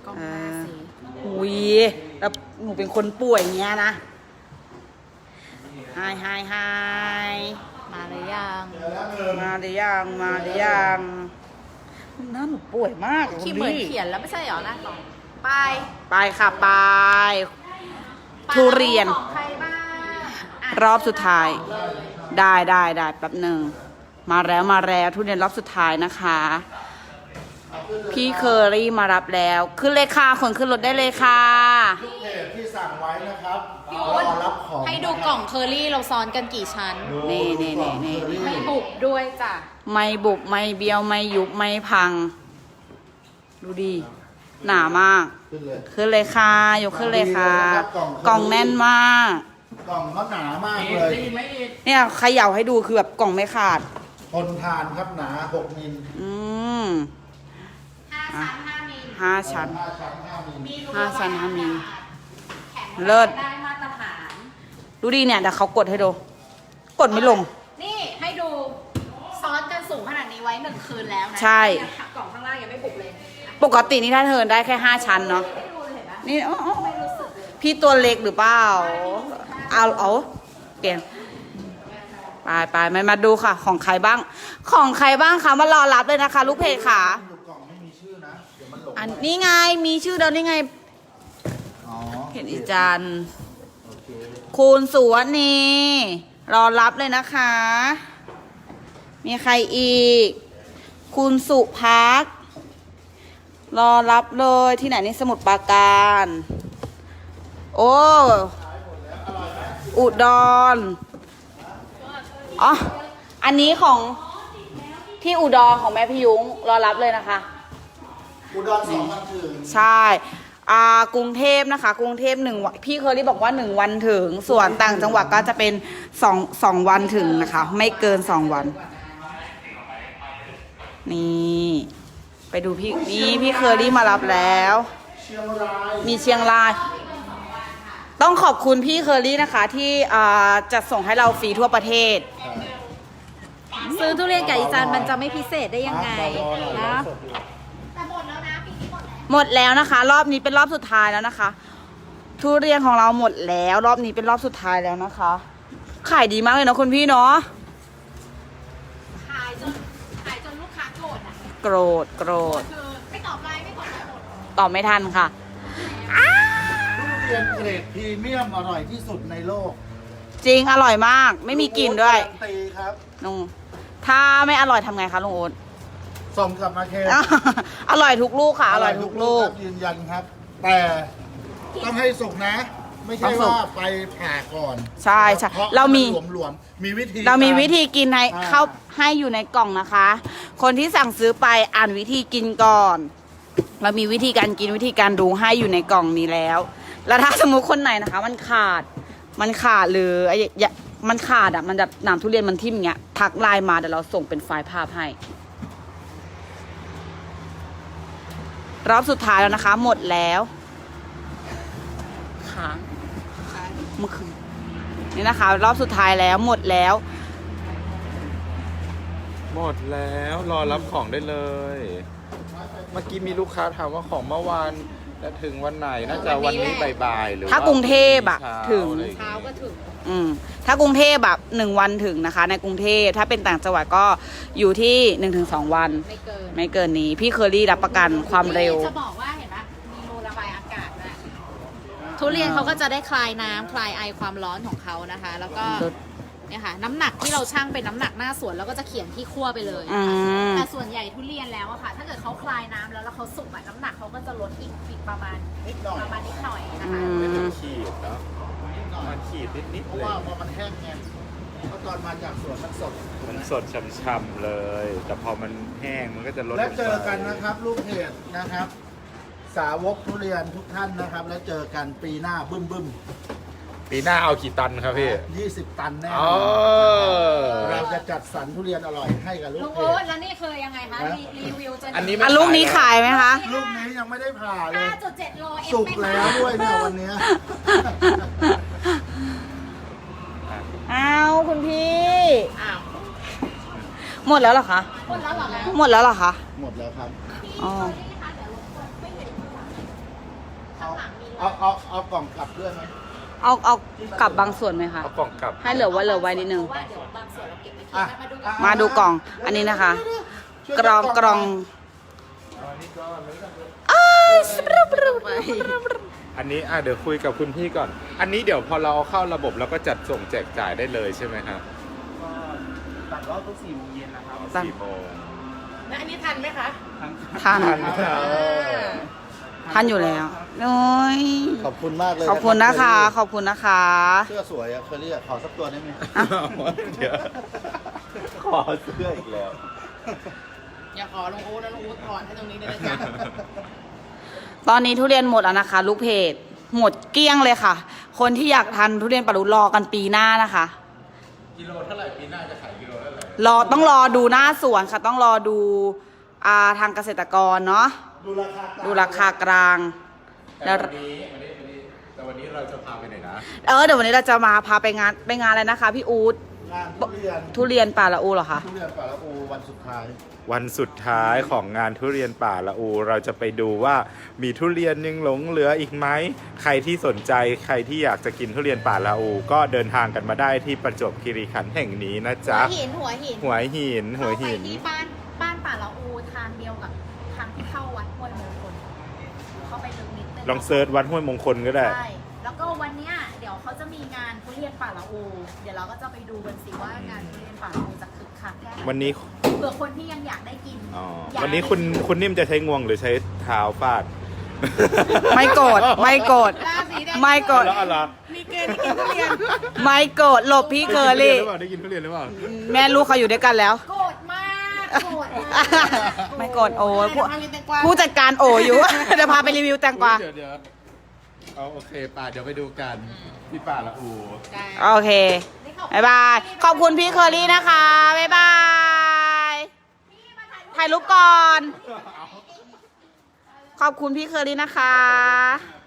กล้องหน้าสิอุ้ยแล้วหนูเป็นคนป่วยเงี้ยนะไฮมาหรือยังมาหรือยังหน้าหนูป่วยมากที่เหมือนเขียนแล้วไม่ใช่เหรอหน้ากล่องไปไปค่ะไปทุเรียนของใครบ้างรอบสุดท้ายได้แป๊บหนึ่งมาแล้วทุเรียนรอบสุดท้ายนะคะพี่เคอรี่มารับแล้วขึ้นเลยค่ะคนขึ้นรถได้เลยค่ะลูกเพจที่สั่งไว้นะครับรอรับของให้ดูกล่องเคอรี่เราซ้อนกันกี่ชั้นนี่ไม่บุบด้วยจ้ะไม่บุบไม่เบี้ยวไม่ยุบไม่พัง ดูดีหนามาก ขึ้นเลยค่ะยกขึ้นเลยค่ะกล่องแน่นมากกล่องเขาหนามากเลยเนี่ยเขย่าให้ดูคือแบบกล่องไม่ขาดทนทานครับหนา6 มิล 5 ชั้น 5 มิล 5 ชั้น 5 ชั้น 5 มิลมีรู 5 ชั้น 5 มิลแข็งเลิศได้มาตรฐานดูดีเนี่ยเดี๋ยวเขากดให้ดู กดไม่ลงนี่ให้ดูซ้อนกันสูงขนาดนี้ไว้1 คืนแล้วนะใช่เนี่ยกล่องข้างล่างยังไม่บุบเลยปกตินี่ถ้าเทิร์นได้แค่5 ชั้นเนาะไม่ดูเลยเห็นปะนี่อ๋อไม่รู้สึกเลยพี่ตัวเล็กหรือเปล่าเอาเปลี่ยนไปมาดูค่ะ ของใครบ้างคะมารอรับเลยนะคะ ลูกเพจค่ะดูกล่องไม่มีชื่อนะ เดี๋ยวมันหลงอันนี้ไงมีชื่อเดิมนี่ไงอ๋อเห็นอีจันทร์โอเคคุณสุวรรณีรอรับเลยนะคะ มีใครอีก คุณสุพักรอรับเลยที่ไหนนี่สมุทรปราการ โอ้อุดรอ๋ออันนี้ของที่อุดรของแม่พี่ยุ้งรอรับเลยนะคะอุดร2 วันถึงใช่กรุงเทพนะคะ กรุงเทพ1 วันพี่เคอรี่บอกว่า1 วันถึง ส่วนต่างจังหวัดก็จะเป็น2 วันถึงนะคะ ไม่เกิน2 วัน นี่ไปดูพี่เคอรี่มารับแล้วเชียงรายมีเชียงราย ต้องขอบคุณพี่เคอรี่นะคะ ที่จัดส่งให้เราฟรีทั่วประเทศซื้อทุเรียนกับอีจันมันจะไม่พิเศษได้ยังไงนะหมดแล้วนะคะ รอบนี้เป็นรอบสุดท้ายแล้วนะคะ ทุเรียนของเราหมดแล้ว รอบนี้เป็นรอบสุดท้ายแล้วนะคะขายดีมากเลยนะคุณพี่เนาะขายจนลูกค้าโกรธอ่ะโกรธคือไม่ตอบไลน์ไม่ตอบไลน์หมดตอบไม่ทันค่ะทุเรียนเกรดพรีเมียมอร่อยที่สุดในโลกจริงอร่อยมาก ไม่มีกลิ่นด้วยการันตีครับลุงถ้าไม่อร่อยทำไงคะลุงโอ๊ตส่งกลับมาเคนอร่อยทุกลูกค่ะ อร่อยทุกลูกครับยืนยันครับ แต่ต้องให้สุกนะ ไม่ใช่ต้องสุกว่าไปผ่าก่อนใช่ใช่เพราะเรามีหลวมๆมีวิธีเรามีกวิธีกินให้อ่าเข้าให้อยู่ในกล่องนะคะ คนที่สั่งซื้อไปอ่านวิธีกินก่อน เรามีวิธีการกินวิธีการดูให้อยู่ในกล่องนี้แล้ว แล้วถ้าสมมุติคนไหนนะคะ มันขาดหรือมันขาดอ่ะมันแบบหนามทุเรียนมันทิ่มอย่างเงี้ยทักไลน์มาเดี๋ยวเราส่งเป็นไฟล์ภาพให้ รอบสุดท้ายแล้วนะคะ หมดแล้วค้างเมื่อคืนนี่นะคะ รอบสุดท้ายแล้วหมดแล้วหมดแล้วรอรับของได้เลย เมื่อกี้มีลูกค้าถามว่าของเมื่อวานจะถึงวันไหนน่าจะวันนี้บ่ายๆหรือถ้ากรุงเทพอะช้าถึงอะไรอย่เช้าก็ถึงถ้ากรุงเทพแบบ1 วันถึงนะคะ ในกรุงเทพถ้าเป็นต่างจังหวัดก็อยู่ที่ 1-2 วันไม่เกินนี้พี่เคอรี่รับประกันความเร็วจะบอกว่าเห็นปะมีรูระบายอากาศด้วยทุเรียนเขาก็จะได้คลายน้ำคลายไอความร้อนของเขานะคะ แล้วก็เนี่ยค่ะน้ำหนักที่เราชั่งเป็นน้ำหนักหน้าสวนแล้วก็จะเขียนที่ขั้วไปเลยอืมแต่ส่วนใหญ่ทุเรียนแล้วอะค่ะ ถ้าเกิดเขาคลายน้ำแล้วเขาสุกอะน้ำหนักเขาก็จะลดอีกประมาณนิดหน่อยนะคะไม่ถึงขีดเนาะมันขีดนิดเพๆราะเลว่าย พอมันแห้งไงเพราะตอนมาจากสวนมันสดมันสดช่ำๆเลย แต่พอมันแห้งมันก็จะลดและงไปเจอกันนะครับ ลูกเพจนะครับ สาวกทุเรียนทุกท่านนะครับ แล้วเจอกันปีหน้าบึ้มปีหน้าเอากี่ตันครับพี่ 20 ตันแน่อ๋อเราจะจัดสรรทุเรียนอร่อยให้กับลูลุกงเพโอ๊ตจแล้วนี่คือยังไงคะรีวิวจะอันนี้ไม่ลูกนี้ขายไหมคะลูกนี้ยังไม่ได้ผ่าเลย 5.7 โลเอ็มสุกแล้วด้วยเนี่ยวันเนี้ยเอาคุณพี่อ้าวหมดแล้วเหรอคะหมดแล้วเหรอคะหมดแล้วเหรอคะหมดแล้วครับอ๋อเอากล่องกลับด้วยไหมเอากลับบางส่วนไหมคะเอากล่องกลับให้เหลือไว้นิดนึงเพราะว่าเดี๋ยวบางส่วนเราเก็บไปกินอ่ะนะมาดูกันมาดูกล่อง อันนี้นะคะช่วยกล่องแยกล่องอันนี้เดี๋ยวคุยกับคุณพี่ก่อน อันนี้เดี๋ยวพอเราเอาเข้าระบบเราก็จัดส่งแจกจ่ายได้เลยใช่ไหมครับตัดรอบทุก4 โมงเย็นนะครับ 4 โมงแล้วอันนี้ทันไหมคะทันทันครับทันอยู่แล้วโอ้ยขอบคุณมากเลยขอบคุณนะคะรับขอบคุณนะคะเสื้อสวยอะเคอรี่อะขอสักตัวได้ไหมเดี๋ยวขอเสื้ออีกแล้วอย่าขอลงอู๊ดนะลงอู๊ดถอนให้ตรงนี้เลยนะจ๊ะตอนนี้ทุเรียนหมดแล้วนะคะ ลูกเพจหมดเกลี้ยงเลยค่ะ คนที่อยากทานทุเรียนปารุรอกันปีหน้านะคะกิโลเท่าไหร่ปีหน้าจะขายกิโลเท่าไหร่ต้องรอดูหน้าสวนค่ะ ต้องรอดูทางเกษตรกรเนาะ ดูราคากลางแต่วันนี้เราจะพาไปไหนนะเดี๋ยววันนี้เราจะมาพาไปงานอะไรนะคะ พี่อู๊ดงานทุเรียนทุเรียนป่าละอูเหรอคะทุเรียนป่าละอูวันสุดท้ายวันสุดท้ายของงานทุเรียนป่าละอู เราจะไปดูว่ามีทุเรียนยังหลงเหลืออีกไหมใครที่สนใจใครที่อยากจะกินทุเรียนป่าละอู ก็เดินทางกันมาได้ที่ประจวบคีรีขันธ์แห่งนี้นะหัจ๊ะวหินหัวหินเข้าไปที่บ้านป่าละอูทางเดียวกับทางที่เข้าวัดห้วยมงคลเข้าไปลึกนิดนึงลองเซิร์ชวัดห้วยมงคลก็ได้ใช่แล้วก็วันเนี้ยเดี๋ยวเขาจะมีงานทุเรียนป่าละอูเดี๋ยวเราก็จะไปดูกันสิว่างานทุเรียนป่าละอูจะคึกคักแค่ไหนวันนี้เผื่อคนที่ยังอยากได้กินอ๋ออยากวันนี้คุณนิ่มจะใช้งวงหรือใช้เท้าฟาดไม่โกรธไม่โกรธราศีแดงไม่โกรธแล้วอะไรมีเกณฑ์ที่กินทุเรียนไม่โกรธหลบพี่เคอรี่ได้กินทุเรียนหรือเปล่าแม่ลูกเขาอยู่ด้วยกันแล้วโกรธมากโกรธมากไม่โกรธโอ้ยเดี๋วพาไปเรียนแตงกวาผู้จัดการโออยู่ เดี๋ยวพาไปรีวิวแตงกวาเดี๋ยวเอาโอเคป่าเดี๋ยวไปดูกันที่ป่าละอูได้โอเคบ๊ายบายขอบคุณพี่เคอรี่นะคะบ๊ายบายถ่ายรูปก่อน ขอบคุณพี่เคอรี่นะคะ